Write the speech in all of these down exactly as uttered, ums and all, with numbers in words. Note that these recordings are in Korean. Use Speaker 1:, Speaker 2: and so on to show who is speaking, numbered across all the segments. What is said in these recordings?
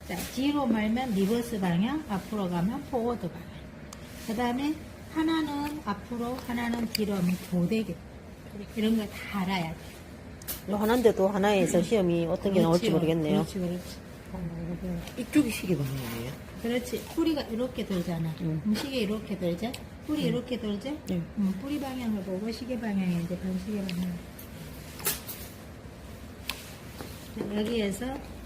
Speaker 1: 자, 뒤로 말면 리버스 방향, 앞으로 가면 포워드 방향. 그 다음에 하나는 앞으로, 하나는 뒤로 하면 교대교. 이런 거 다 알아야 돼.
Speaker 2: 요 하나인데도 하나에서 시험이 어떤 게 나올지
Speaker 1: 그렇지요.
Speaker 2: 모르겠네요.
Speaker 1: 그렇지, 그렇지.
Speaker 3: 이쪽이 시계 방향이에요?
Speaker 1: 그렇지. 뿌리가 이렇게 돌잖아.
Speaker 2: 음.
Speaker 1: 음, 시계 이렇게 돌죠? 뿌리 이렇게 돌죠?
Speaker 2: 네.
Speaker 1: 음, 뿌리 방향을 보고 시계 방향이 이제 반시계 방향. 자, 여기에서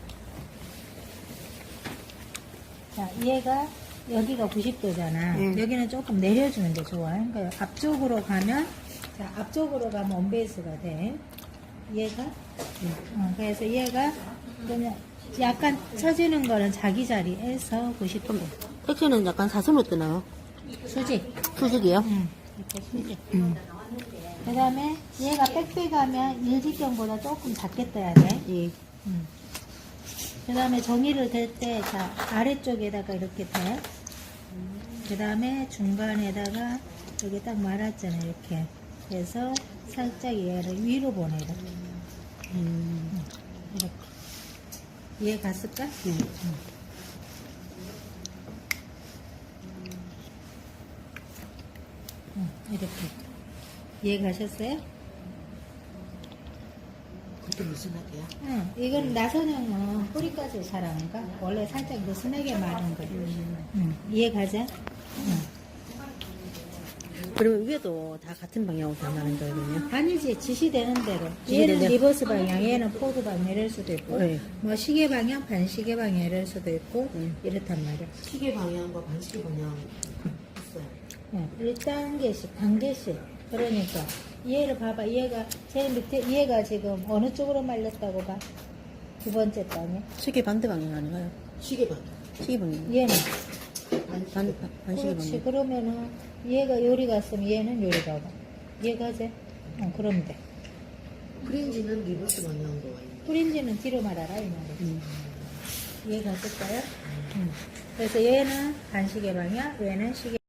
Speaker 1: 자, 얘가 여기가 구십 도잖아.
Speaker 2: 음.
Speaker 1: 여기는 조금 내려주는 게 좋아. 그러니까 앞쪽으로 가면 자, 앞쪽으로 가면 온베이스가 돼. 얘가 어, 그래서 얘가 그냥 약간 쳐지는 거는 자기 자리에서 구십 도.
Speaker 2: 섹션은 약간 사슴으로 뜨나요?
Speaker 1: 수직.
Speaker 2: 수직이요?
Speaker 1: 응. 이렇게 수직.
Speaker 2: 음.
Speaker 1: 그 다음에 얘가 빽빽하면 일직경보다 조금 작게 떠야 돼.
Speaker 2: 예.
Speaker 1: 음. 그 다음에 종이를 댈 때, 자, 아래쪽에다가 이렇게 대. 그 다음에 중간에다가 여기 딱 말았잖아, 이렇게. 그래서 살짝 얘를 위로 보내라.
Speaker 2: 음.
Speaker 1: 이렇게. 이해 갔을까?
Speaker 2: 네.
Speaker 1: 응. 응, 이렇게. 이해 가셨어요?
Speaker 3: 그때 무슨 학이야?
Speaker 1: 응, 이건 나선형은 뿌리까지 잘 안 가. 원래 살짝 느슨하게 마른 거예요. 응, 이해 가자? 응.
Speaker 2: 그러면 위에도 다 같은 방향으로 변하는 거거든요.
Speaker 1: 아니지, 지시되는 대로.
Speaker 2: 지시되는
Speaker 1: 얘는
Speaker 2: 대로.
Speaker 1: 리버스 방향, 얘는 포드 방향 이럴 수도 있고,
Speaker 2: 네.
Speaker 1: 뭐 시계 방향, 반시계 방향 이럴 수도 있고,
Speaker 2: 음.
Speaker 1: 이렇단 말이야.
Speaker 3: 시계 방향과 반시계 방향 있어요.
Speaker 1: 네, 일 단계씩, 단계씩. 그러니까, 얘를 봐봐. 얘가, 제일 밑에, 얘가 지금 어느 쪽으로 말렸다고 봐? 두 번째 단계.
Speaker 2: 시계 반대 방향 아닌가요?
Speaker 3: 시계 방향.
Speaker 2: 시계 방향.
Speaker 1: 얘는.
Speaker 2: 반, 반, 반시계
Speaker 1: 그렇지.
Speaker 2: 방향.
Speaker 1: 그러면은, 얘가 요리 갔으면 얘는 요리 가고. 얘 가지? 어, 그러면 돼.
Speaker 3: 프린지는 리버스 방향으로 와 있는.
Speaker 1: 프린지는 뒤로 말아라, 이 말이지.
Speaker 2: 음.
Speaker 1: 이해 갔을까요? 음. 그래서 얘는 반시계 방향, 얘는 시계